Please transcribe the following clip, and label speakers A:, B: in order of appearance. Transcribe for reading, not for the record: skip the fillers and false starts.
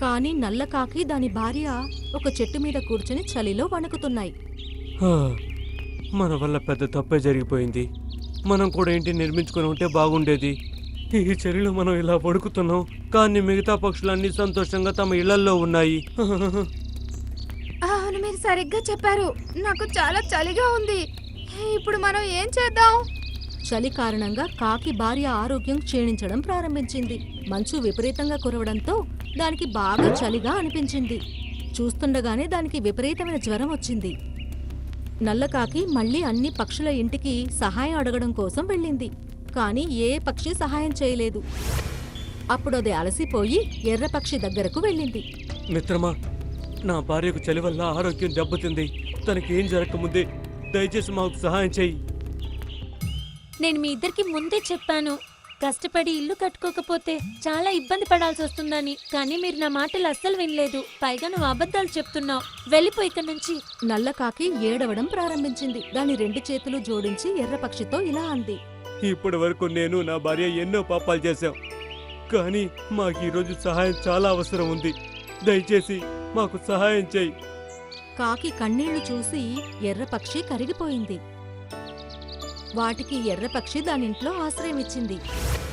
A: కాని నల్లకాకి దాని భార్య ఒక చెట్టు మీద కూర్చుని చలిలో వణుకుతున్నాయి.
B: మన వల్ల పెద్ద తప్పే జరిగిపోయింది. మనం కూడా ఇంటిని నిర్మించుకొని ఉంటే బాగుండేది. ఈ చలిలో మనం ఇలా వణుకుతున్నాం, కానీ మిగతా పక్షులన్నీ సంతోషంగా తమ ఇళ్లల్లో ఉన్నాయి.
C: అవును, మీరు సరిగ్గా చెప్పారు. నాకు చాలా చలిగా ఉంది. ఇప్పుడు మనం ఏం చేద్దాం?
A: చలి కారణంగా కాకి భార్య ఆరోగ్యం క్షీణించడం ప్రారంభించింది. మంచు విపరీతంగా కురవడంతో దానికి బాగా చలిగా అనిపించింది. చూస్తుండగానే దానికి విపరీతమైన జ్వరం వచ్చింది. నల్లకాకి మళ్ళీ అన్ని పక్షుల ఇంటికి సహాయం అడగడం కోసం వెళ్ళింది. కానీ ఏ పక్షి సహాయం చేయలేదు. అప్పుడు అది అలసిపోయి ఎర్రపక్షి దగ్గరకు వెళ్ళింది.
B: మిత్రమా, నా భార్యకు చలి వల్ల ఆరోగ్యం దెబ్బతింది. తనకి ఏం జరగకముందే దయచేసి మాకు సహాయం చెయ్యి.
D: నేను మీ ఇద్దరికి ముందే చెప్పాను, కష్టపడి ఇల్లు కట్టుకోకపోతే చాలా ఇబ్బంది పడాల్సి వస్తుందని. కానీ మీరు నా మాటలు అస్సలు వినలేదు. పైగా నువ్వు అబద్ధాలు చెప్తున్నావు. వెళ్ళిపో ఇక్కడి నుంచి.
A: నల్లకాకి ఏడవడం ప్రారంభించింది. దాని 2 చేతులు జోడించి ఎర్రపక్షితో ఇలా అంది.
B: ఇప్పటి వరకు నేను నా భార్య ఎన్నో పాపాలు చేశాం, కానీ మాకు ఈరోజు సహాయం చాలా అవసరం ఉంది. దయచేసి మాకు సహాయం చెయ్యి.
A: కాకి కన్నీళ్లు చూసి ఎర్రపక్షి కరిగిపోయింది. వాటికి ఎర్రపక్షి దానింట్లో ఆశ్రయం ఇచ్చింది.